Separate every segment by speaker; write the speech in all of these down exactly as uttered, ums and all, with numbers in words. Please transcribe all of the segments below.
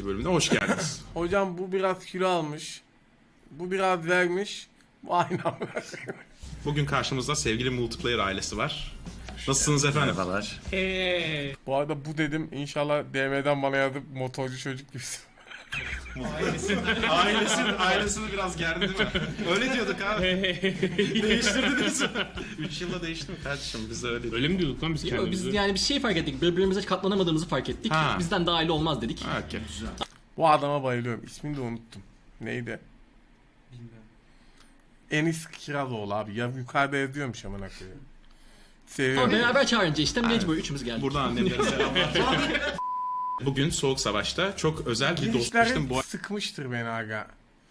Speaker 1: ikinci bölümüne hoş geldiniz.
Speaker 2: Hocam bu biraz kilo almış. Bu biraz vermiş. Bu aynı amına.
Speaker 1: Bugün karşımızda sevgili Multiplayer ailesi var. Nasılsınız efendim?
Speaker 3: Merhabalar.
Speaker 2: Bu arada bu dedim, inşallah D M'den bana yazıp motorcu çocuk gibisin.
Speaker 1: Ailesini, ailesini biraz gerdi değil mi? Öyle diyorduk abi. Değiştirdiniz mi? üç yılda değişti mi kardeşim? Biz de öyle.
Speaker 3: Öyle mi diyorduk lan biz
Speaker 4: Yo,
Speaker 3: kendimize?
Speaker 4: biz yani bir şey fark ettik. Birbirimize katlanamadığımızı fark ettik.
Speaker 1: Ha.
Speaker 4: Bizden daha aile olmaz dedik.
Speaker 1: Ha, okey.
Speaker 2: Bu adama bayılıyorum. İsmini de unuttum. Neydi?
Speaker 5: Bilmiyorum.
Speaker 2: Enis Kirazoğlu abi. Ya yukarıda yazıyormuş amına koyayım. Seviyorum.
Speaker 4: Ama beraber çağırınca işte mecbur üçümüz geldik.
Speaker 1: Buradan annemlere selamlar. Bugün Soğuk Savaş'ta çok özel bir
Speaker 2: Girişler
Speaker 1: dostluktum. Bu
Speaker 2: sıkmıştır beni aga.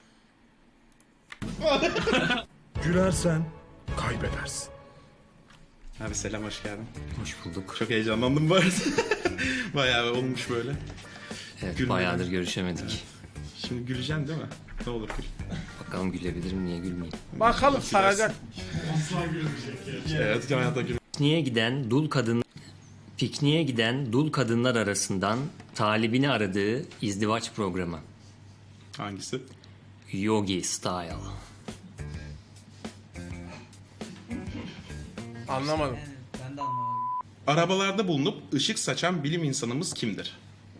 Speaker 6: Gülersen kaybedersin.
Speaker 1: Abi selam, hoş geldin.
Speaker 3: Hoş bulduk.
Speaker 1: Çok heyecanlandım bu arada. Bayağı olmuş böyle.
Speaker 3: Evet,
Speaker 1: Gülmeden.
Speaker 3: bayağıdır görüşemedik.
Speaker 1: Şimdi güleceksin değil mi? Ne olur gül.
Speaker 3: Bakalım gülebilirim, niye gülmeyeyim.
Speaker 2: Bakalım saracak.
Speaker 1: Evet, hayata gül.
Speaker 3: Pikniğe giden dul kadın Pikniğe giden dul kadınlar arasından talibini aradığı izdivaç programı.
Speaker 1: Hangisi?
Speaker 3: Yogi Style.
Speaker 2: Anlamadım.
Speaker 5: Evet, ben de anlamadım.
Speaker 1: Arabalarda bulunup ışık saçan bilim insanımız kimdir?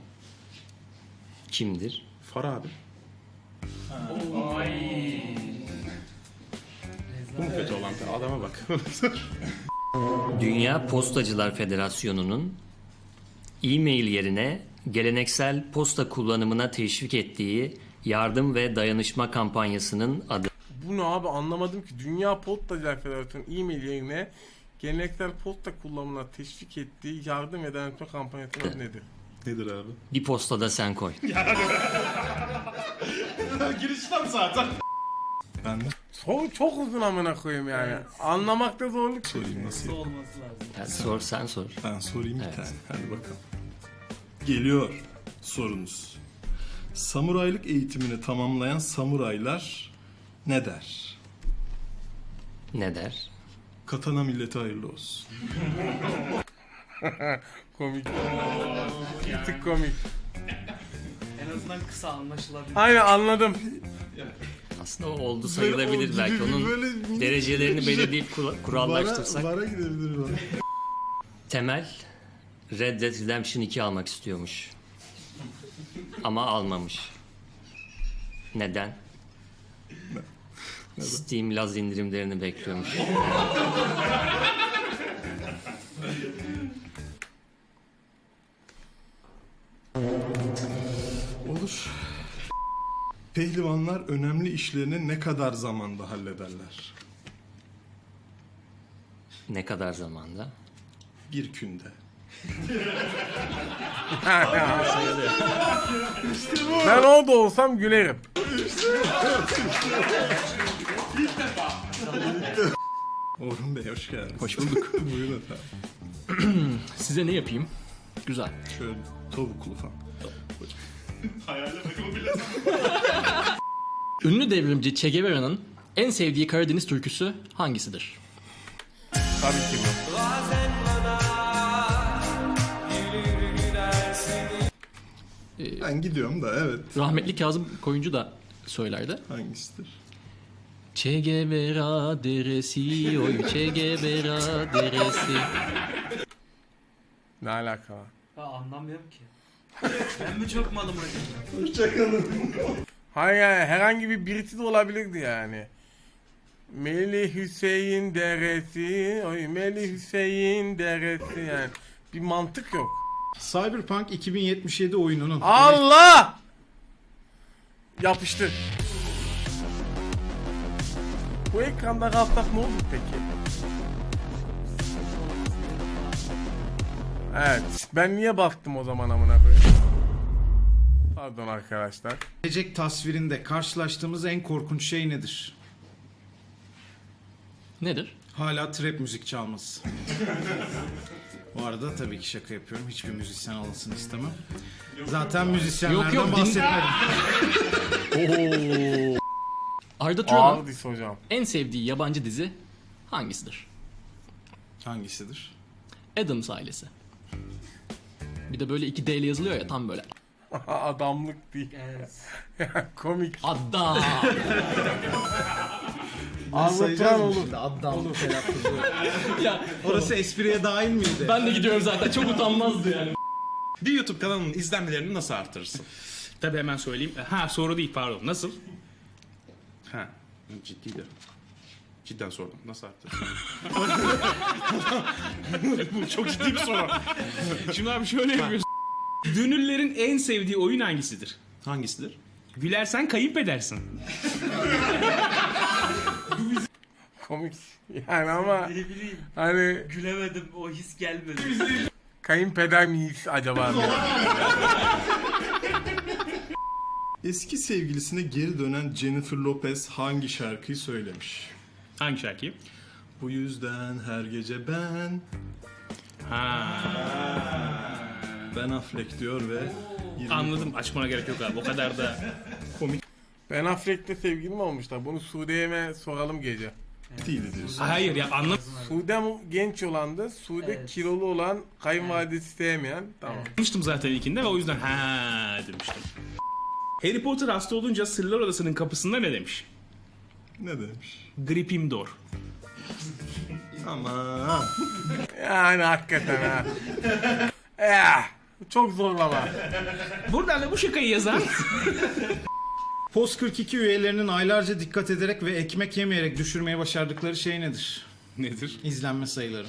Speaker 3: Kimdir?
Speaker 1: Far abi. Bu mu kötü olan? Adama bak.
Speaker 3: Dünya Postacılar Federasyonu'nun e-mail yerine geleneksel posta kullanımına teşvik ettiği yardım ve dayanışma kampanyasının adı.
Speaker 2: Bu ne abi, anlamadım ki. Dünya Postacılar Federasyonu e-mail yerine geleneksel posta kullanımına teşvik ettiği yardım ve dayanışma kampanyasının adı nedir?
Speaker 1: Nedir abi?
Speaker 3: Bir postada sen koy.
Speaker 1: Girişten zaten.
Speaker 6: Ben de
Speaker 2: Soru çok uzun amına koyayım yani. Anlamakta zorluk
Speaker 6: sorayım
Speaker 2: çekiyor.
Speaker 6: nasıl?
Speaker 5: Su olması lazım.
Speaker 3: Yani sor sen sor.
Speaker 6: Ben sorayım bir
Speaker 3: Evet.
Speaker 6: tane. Hadi bakalım. Geliyor sorunuz. Samuraylık eğitimini tamamlayan samuraylar ne der?
Speaker 3: Ne der?
Speaker 6: Katana milleti hayırlı olsun.
Speaker 2: Komik. Bir tık komik.
Speaker 5: En azından kısa anlaşılabilir.
Speaker 2: Aynen, anladım.
Speaker 3: Aslında o oldu sayılabilir
Speaker 6: Böyle
Speaker 3: belki.
Speaker 6: oldu gibi,
Speaker 3: Onun
Speaker 6: böyle-
Speaker 3: derecelerini belirleyip kura- kurallaştırsak.
Speaker 6: Bara, bara gidebilir bana.
Speaker 3: Temel Red Dead Redemption iki almak istiyormuş. Ama almamış. Neden? Steam Laz indirimlerini bekliyormuş.
Speaker 6: Olur. Pehlivanlar önemli işlerini ne kadar zamanda hallederler?
Speaker 3: Ne kadar zamanda?
Speaker 6: Bir günde.
Speaker 2: Ben orada olsam gülerim.
Speaker 6: Orhun Bey hoş geldiniz.
Speaker 4: Hoş bulduk.
Speaker 6: Buyurun efendim.
Speaker 4: Size ne yapayım? Güzel.
Speaker 6: Şöyle tavuklu falan.
Speaker 4: Ünlü devrimci Che Guevara'nın en sevdiği Karadeniz türküsü hangisidir?
Speaker 2: Tabii ki bu.
Speaker 6: Ben gidiyorum da evet.
Speaker 4: Rahmetli Kazım Koyuncu da söylerdi.
Speaker 6: Hangisidir?
Speaker 4: Che Guevara deresi, oy Che Guevara deresi.
Speaker 2: Ne alaka var?
Speaker 5: Ben anlamıyorum ki. Ben mi çok malım acaba?
Speaker 2: Hayır yani, herhangi bir birisi de olabilirdi yani. Melih Hüseyin deresi, oy Melih Hüseyin deresi yani. Bir mantık yok.
Speaker 7: Cyberpunk iki bin yetmiş yedi oyununun
Speaker 2: Allah! Yapıştır. Bu ekranda kalsak ne olur peki? Evet, ben niye baktım o zaman amına koyayım? Pardon arkadaşlar.
Speaker 7: gelecek tasvirinde karşılaştığımız en korkunç şey nedir?
Speaker 4: Nedir?
Speaker 7: Hala trap müzik çalması. Bu arada tabii ki şaka yapıyorum. Hiçbir müzisyen olmasını istemem. Zaten müzisyenlerden
Speaker 4: Yok, yok, din-
Speaker 7: bahsetmedim.
Speaker 4: Oo. Arda Turan'ın
Speaker 2: Ağır dis hocam.
Speaker 4: en sevdiği yabancı dizi hangisidir?
Speaker 7: Hangisidir?
Speaker 4: Addams Ailesi. Bir de böyle iki D ile yazılıyor ya, tam böyle.
Speaker 2: Adamlık değil.
Speaker 5: Evet.
Speaker 2: Komik.
Speaker 4: Adam.
Speaker 2: Anlatan olur.
Speaker 7: Şimdi adam telaffuzu.
Speaker 4: Ya
Speaker 7: Orası espriye dahil miydi?
Speaker 4: ben de gidiyorum zaten. Çok utanmazdı yani.
Speaker 1: Bir YouTube kanalının izlenmelerini nasıl artırırsın?
Speaker 8: Tabii hemen söyleyeyim. Ha soru değil pardon. Nasıl?
Speaker 1: Ha, ciddiydi. Cidden sordum. Nasıl arttırırsın?
Speaker 8: Bu çok ciddi bir soru. Şimdi abi şöyle yapıyorsun. Dünürlerin en sevdiği oyun hangisidir?
Speaker 1: Hangisidir?
Speaker 8: Gülersen kayıp edersin.
Speaker 2: Komik. Yani ama
Speaker 5: Ne bileyim.
Speaker 2: hani
Speaker 5: Gülemedim. O his gelmedi.
Speaker 2: kayınpeder miyiz acaba? diye.
Speaker 6: Eski sevgilisine geri dönen Jennifer Lopez hangi şarkıyı söylemiş?
Speaker 8: Hangi şarkıyı?
Speaker 6: Bu yüzden her gece ben,
Speaker 8: Ha.
Speaker 6: Ben Affleck diyor ve yirmi
Speaker 8: Anladım. Açmana gerek yok abi. O kadar da
Speaker 2: Ben Affleck'le sevgili mi olmuşlar? Bunu Sude'ye soralım gece.
Speaker 6: değil diyorsun.
Speaker 8: hayır ya anlamıştım
Speaker 2: Sude genç olandı. Sude
Speaker 5: Evet.
Speaker 2: kilolu olan, kayınvalidesi sevmeyen. Tamam.
Speaker 8: zaten ilkinde ve o yüzden ha demiştim. Harry Potter hasta olunca Sırlar Odası'nın kapısında ne demiş?
Speaker 6: Ne demiş?
Speaker 8: Gryffindor.
Speaker 6: Aman.
Speaker 2: Yani hakikaten ha. Ya, çok zorlama.
Speaker 8: Buradan da bu şakayı yazan
Speaker 7: Post kırk iki üyelerinin aylarca dikkat ederek ve ekmek yemeyerek düşürmeye başardıkları şey nedir?
Speaker 8: nedir?
Speaker 7: İzlenme sayıları.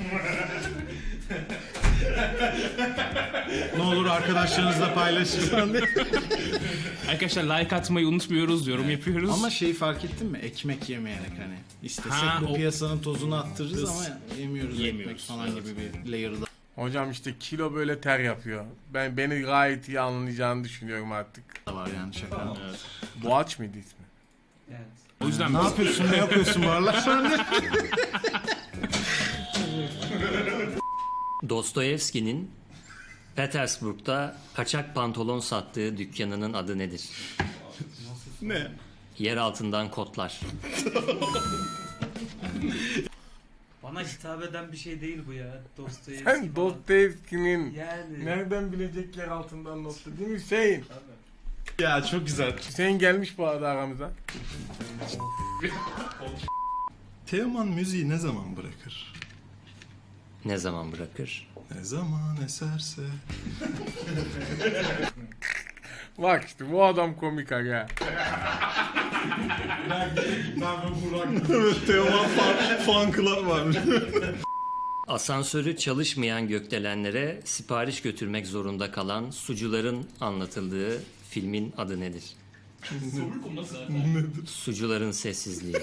Speaker 7: Ne olur arkadaşlarınızla paylaşın.
Speaker 8: Arkadaşlar like atmayı unutmuyoruz, yorum yapıyoruz.
Speaker 7: Ama şeyi fark ettin mi? Ekmek yemeyerek hani. İstesek
Speaker 8: Ha,
Speaker 7: bu
Speaker 8: o-
Speaker 7: piyasanın tozunu attırırız ama yemiyoruz,
Speaker 8: Yemiyoruz,
Speaker 7: ekmek falan
Speaker 8: evet.
Speaker 7: gibi bir layer'da.
Speaker 2: Hocam işte kilo böyle ter yapıyor. Ben beni gayet iyi anlayacağını düşünüyorum artık.
Speaker 7: var yani şaka.
Speaker 2: Boğaç mıydı ismi?
Speaker 5: Evet.
Speaker 8: o yüzden
Speaker 7: Ne yapıyorsun, ne yapıyorsun bu aralar sen de?
Speaker 3: Dostoyevski'nin Petersburg'da kaçak pantolon sattığı dükkanının adı nedir?
Speaker 1: Ne?
Speaker 3: Yer altından kotlar.
Speaker 5: Bana hitap eden bir şey değil bu ya. Dostoyevski
Speaker 2: Sen
Speaker 5: falan.
Speaker 2: Dostoyevski'nin
Speaker 5: Yani.
Speaker 2: nereden bilecek yer altından notlu değil mi Hüseyin?
Speaker 1: Ya çok güzel.
Speaker 2: Hüseyin gelmiş bu arada aramıza.
Speaker 6: Teoman müziği ne zaman bırakır?
Speaker 3: Ne zaman bırakır?
Speaker 6: Ne zaman eserse.
Speaker 2: Bak işte bu adam komik aga.
Speaker 6: Teoman fan, fan club varmış.
Speaker 3: Asansörü çalışmayan gökdelenlere sipariş götürmek zorunda kalan sucuların anlatıldığı filmin adı nedir? Sucuların sessizliği.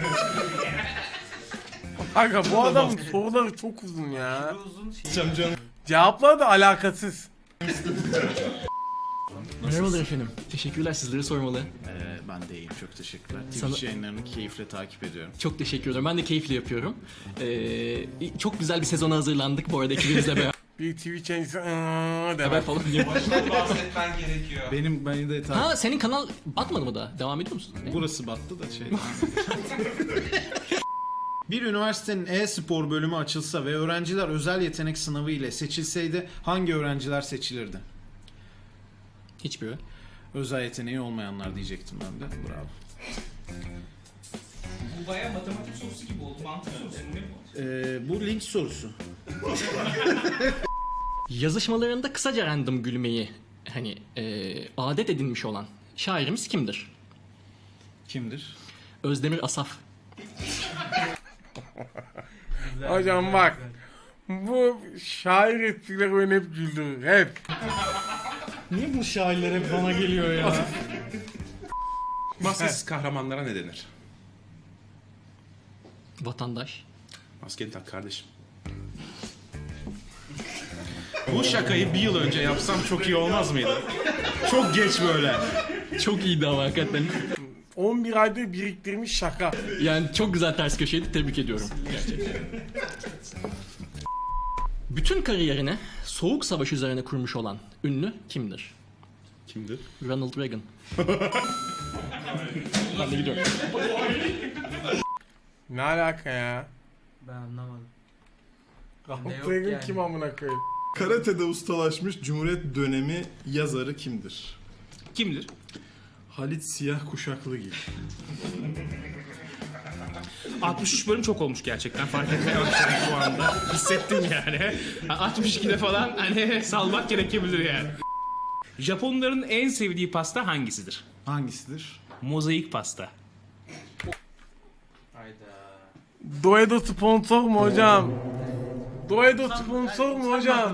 Speaker 2: Aga bu adamın soruları çok uzun ya.
Speaker 5: Uzun şey.
Speaker 2: Cevaplar da alakasız.
Speaker 4: Merhabalar efendim. Teşekkürler, sizleri sormalı.
Speaker 7: Ee, ben de iyiyim, çok teşekkürler.
Speaker 4: Sana-
Speaker 7: Twitch yayınlarını keyifle takip ediyorum.
Speaker 4: Çok teşekkür ederim. Ben de keyifle yapıyorum. Ee, çok güzel bir sezona hazırlandık bu arada ekibimizle beraber
Speaker 2: Bir Twitch yayıncısı "Iıı" demek.
Speaker 4: falan diye.
Speaker 5: Bahsetmen gerekiyor.
Speaker 7: Benim beni de takip...
Speaker 4: Ha senin kanal batmadı mı da? Devam ediyor musun? Ne?
Speaker 7: Burası battı da şey. Bir üniversitenin e-spor bölümü açılsa ve öğrenciler özel yetenek sınavı ile seçilseydi hangi öğrenciler seçilirdi?
Speaker 4: Hiçbiri.
Speaker 7: Özel yeteneği olmayanlar diyecektim ben de. Bravo.
Speaker 8: Bu bayağı matematik sorusu gibi oldu. Mantık sorusu ne bu?
Speaker 7: Ee, bu link sorusu.
Speaker 4: Yazışmalarında kısaca random gülmeyi hani e, adet edinmiş olan şairimiz kimdir?
Speaker 7: Kimdir?
Speaker 4: Özdemir Asaf.
Speaker 2: Hocam bak. Bu şair esprileri beni hep güldürür. Hep.
Speaker 7: Niye bu şairler hep bana geliyor ya?
Speaker 1: Maskesiz kahramanlara ne denir?
Speaker 4: Vatandaş.
Speaker 1: Maskeni tak kardeşim. Bu şakayı bir yıl önce yapsam çok iyi olmaz mıydı? Çok geç böyle.
Speaker 4: Çok iyiydi ama hakikaten.
Speaker 2: on bir aydır biriktirmiş şaka.
Speaker 4: Yani çok güzel ters köşeydi. Tebrik ediyorum. Gerçekten. Bütün kariyerini Soğuk Savaş üzerine kurmuş olan ünlü kimdir?
Speaker 1: Kimdir?
Speaker 4: Ronald Reagan. Ben de gidiyorum.
Speaker 2: Ne alaka ya?
Speaker 5: Ben anlamadım.
Speaker 2: Ronald
Speaker 5: yok
Speaker 2: Reagan
Speaker 5: yani.
Speaker 2: kim amına koyayım?
Speaker 6: Karatede ustalaşmış Cumhuriyet dönemi yazarı kimdir?
Speaker 8: Kimdir?
Speaker 6: Halit Siyah Kuşaklıgil.
Speaker 8: altmış üç bölüm çok olmuş gerçekten, fark etmeye başladım şu anda. Hissettim yani. altmış ikide falan hani salmak gerekebilir yani. Japonların en sevdiği pasta hangisidir?
Speaker 7: Hangisidir?
Speaker 8: Mozaik pasta.
Speaker 2: Doedo sponsor mu hocam? Doedo sponsor mu hocam?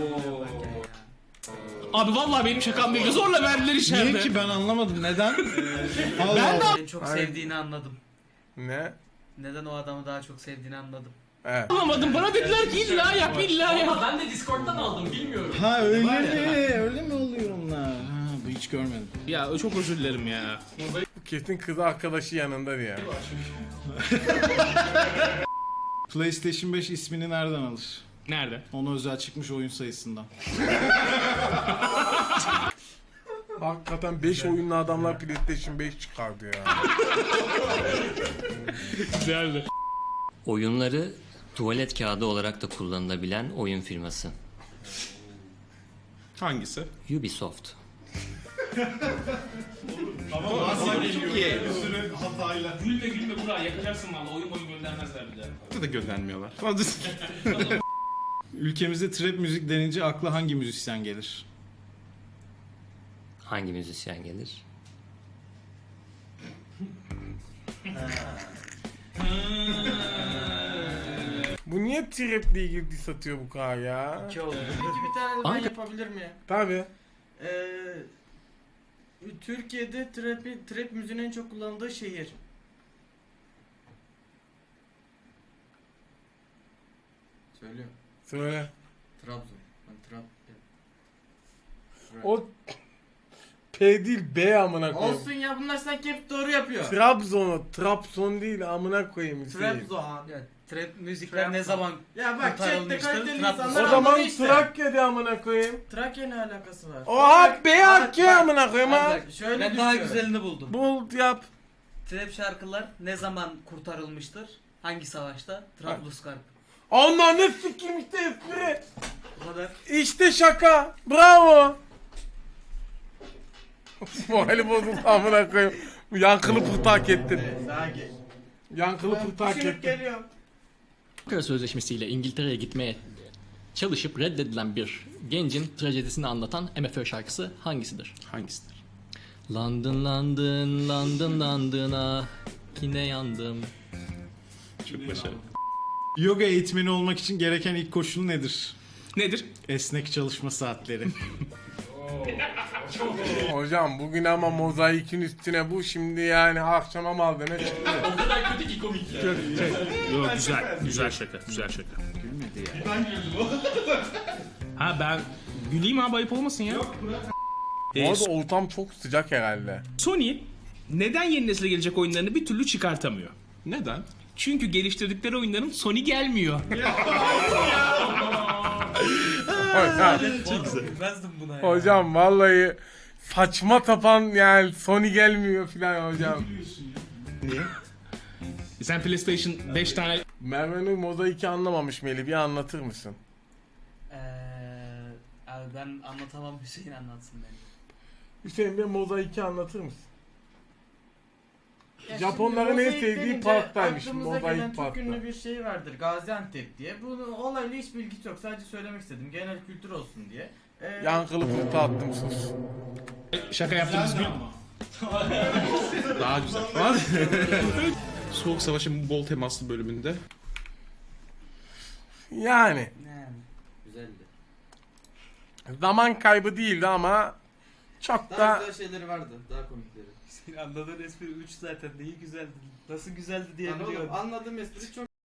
Speaker 8: Abi vallahi benim şakam değil. Zorla verdiler içeride.
Speaker 7: Niye ki ben anlamadım neden? Allah Allah.
Speaker 5: En çok
Speaker 2: Aynen.
Speaker 5: sevdiğini anladım.
Speaker 2: Ne?
Speaker 5: Neden o adamı daha çok sevdiğini anladım.
Speaker 2: Evet.
Speaker 8: Anlamadım. Bana dediler ki illa yap illa yap.
Speaker 4: Ben de Discord'dan aldım bilmiyorum.
Speaker 7: Ha öyle mi? Öyle mi oluyor onlar? Ha, bu hiç görmedim.
Speaker 8: Ya çok özür dilerim ya.
Speaker 2: Kesin kız arkadaşı yanında ya.
Speaker 7: PlayStation beş ismini nereden alır?
Speaker 8: Nerede?
Speaker 7: Ona özel çıkmış oyun sayısından.
Speaker 2: Hakikaten beş oyunlu adamlar PlayStation beş çıkardı ya.
Speaker 8: Güzeldi.
Speaker 3: Oyunları tuvalet kağıdı olarak da kullanılabilen oyun firması.
Speaker 8: Hangisi?
Speaker 3: Ubisoft.
Speaker 8: Gülme gülme Burak, yakacaksın valla. Oyun oyun göndermezler bir daha.
Speaker 1: Burada da göndermiyorlar.
Speaker 7: Ülkemizde trap müzik denince akla hangi müzisyen gelir?
Speaker 3: Hangi müzisyen gelir?
Speaker 2: Bu niye trap'le ilgili diss atıyor bu kadar ya?
Speaker 5: İki oldu.
Speaker 9: Peki bir tane de ben
Speaker 4: Hangi-
Speaker 9: yapabilir miyim?
Speaker 2: Tabi.
Speaker 9: Ee, Türkiye'de trap, trap müziğin en çok kullanıldığı şehir. Söylüyorum.
Speaker 2: Söyle.
Speaker 9: Trabzon. Ben Trab...
Speaker 2: O P değil B amına koyayım.
Speaker 9: Olsun ya, bunlar sanki hep doğru yapıyor.
Speaker 2: Trabzon'u, Trabzon değil amına koyayım Hüseyin.
Speaker 9: Trabzon.
Speaker 5: Ya, trap müzikler ne zaman
Speaker 9: Ya bak chatte
Speaker 5: kurtarılmıştır?
Speaker 9: kaliteli
Speaker 5: Trabzon-
Speaker 9: insanlar
Speaker 2: O zaman
Speaker 9: anladı işte.
Speaker 2: Trakya de amına koyayım.
Speaker 9: Trakya ne alakası var?
Speaker 2: Oha B
Speaker 9: Bak,
Speaker 2: hakkı
Speaker 9: bak,
Speaker 2: amına koyayım ha.
Speaker 9: bak, şöyle
Speaker 5: Ben daha
Speaker 9: düşünüyorum.
Speaker 5: güzelini buldum.
Speaker 2: Bul yap.
Speaker 5: Trap şarkılar ne zaman kurtarılmıştır? Hangi savaşta? Trablusgarp.
Speaker 2: Onlar ne sikim işte espri.
Speaker 5: Bu kadar.
Speaker 2: İşte şaka. Bravo. Morali bozuldu amına koyayım. Yankılı pıhtı hak ettin.
Speaker 9: Sakin.
Speaker 2: Yankılı pıhtı hak
Speaker 9: Düşünüp
Speaker 2: ettin.
Speaker 9: geliyorum.
Speaker 4: Ankara Sözleşmesi ile İngiltere'ye gitmeye çalışıp reddedilen bir gencin trajedisini anlatan M F Ö şarkısı hangisidir?
Speaker 1: Hangisidir?
Speaker 4: London, London, London, London'a yine yandım.
Speaker 1: Çok başarılı.
Speaker 7: Yoga eğitmeni olmak için gereken ilk koşul nedir?
Speaker 8: Nedir?
Speaker 7: Esnek çalışma saatleri.
Speaker 2: Hocam bugün ama mozaikin üstüne bu şimdi yani akşama maldene çıktı.
Speaker 4: O kadar kötü ki komik ya.
Speaker 8: Yok güzel. Güzel şaka. Güzel şaka.
Speaker 7: Gülmedi ya.
Speaker 8: Ha ben güleyim abi, ayıp olmasın ya. Yok
Speaker 2: Bu arada ortam çok sıcak herhalde.
Speaker 8: Sony neden yeni nesile gelecek oyunlarını bir türlü çıkartamıyor?
Speaker 1: Neden?
Speaker 8: Çünkü geliştirdikleri oyunların Sony gelmiyor.
Speaker 2: Hocam,
Speaker 5: Bilmezdim buna ya.
Speaker 2: hocam vallahi saçma sapan yani Sony gelmiyor filan hocam.
Speaker 8: Sen PlayStation beş tane
Speaker 2: Merve Nur mozaiki anlamamış Melih, bir anlatır mısın?
Speaker 5: Eee abi ben anlatamam, Hüseyin anlatsın beni.
Speaker 2: Hüseyin bir mozaiki anlatır mısın?
Speaker 9: Ya
Speaker 2: Japonların
Speaker 9: şimdi
Speaker 2: en
Speaker 9: mozaik
Speaker 2: sevdiği
Speaker 9: denince
Speaker 2: parktaymış
Speaker 9: aklımıza gelen
Speaker 2: mozaik
Speaker 9: çok
Speaker 2: parkta.
Speaker 9: ünlü bir şey vardır, Gaziantep diye. Bunun olayla hiç bilgisi yok, sadece söylemek istedim genel kültür olsun diye. Ee,
Speaker 2: Yankılı pıhtı attım sus.
Speaker 8: şaka yaptığımız gün.
Speaker 1: Daha güzel. Soğuk Savaş'ın bol temaslı bölümünde.
Speaker 2: Yani
Speaker 5: Yani. Güzeldi.
Speaker 2: zaman kaybı değildi ama çok
Speaker 9: daha
Speaker 2: da
Speaker 9: güzel şeyleri vardı, daha komikleri.
Speaker 5: Senin anladığın espri üç zaten. Neyi güzeldi? Nasıl güzeldi
Speaker 9: Yani
Speaker 5: diyebiliyorum.
Speaker 9: oğlum, anladığım espri çok